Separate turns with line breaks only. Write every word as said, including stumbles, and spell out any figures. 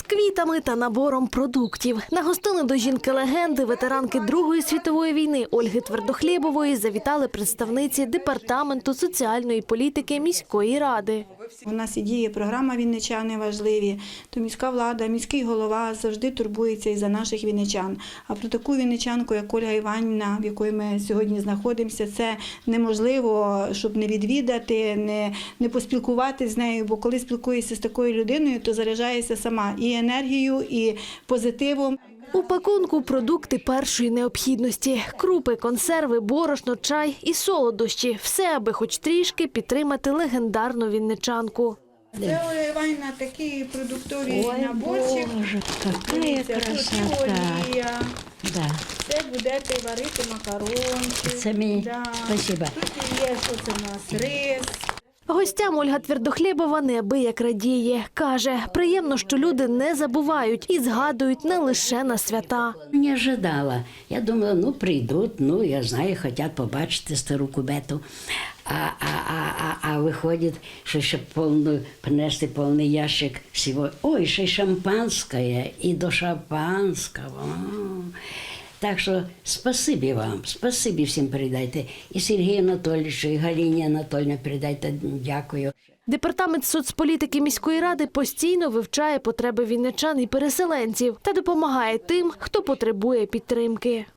квітами та набором продуктів. На гостини до жінки-легенди, ветеранки Другої світової війни Ольги Твердохлєбової завітали представниці Департаменту соціальної політики міської ради.
У нас і діє програма «Вінничани важливі», то міська влада, міський голова завжди турбується і за наших вінничан. А про таку вінничанку, як Ольга Іванівна, в якої ми сьогодні знаходимося, це неможливо, щоб не відвідати, не, не поспілкуватися з нею, бо коли спілкуєшся з такою людиною, то заряджаєшся сама і енергією, і позитивом.
У пакунку продукти першої необхідності – крупи, консерви, борошно, чай і солодощі – все, аби хоч трішки підтримати легендарну вінничанку.
Це, Ольга Іванівна, такий продуктовий
Ой,
наборчик.
Боже, какая красота.
Олія.
Да.
Це будете варити макарончик.
Це мені,
Да.
спасибо.
Тут є, що це у нас, рис.
Гостям Ольга Твердохлєбова неабияк радіє. Каже, приємно, що люди не забувають і згадують не лише на свята.
Не ожидала. Я думала, ну прийдуть, ну я знаю, хочуть побачити стару кубету. А, а, а, а, а виходить, що ще повну, принести повний ящик всього. Ой, ще й шампанське, і до шампанського. Так що спасибі вам, спасибі всім передайте. І Сергію Анатолійовичу, і Галині Анатольовні передайте дякую.
Департамент соцполітики міської ради постійно вивчає потреби вінничан і переселенців та допомагає тим, хто потребує підтримки.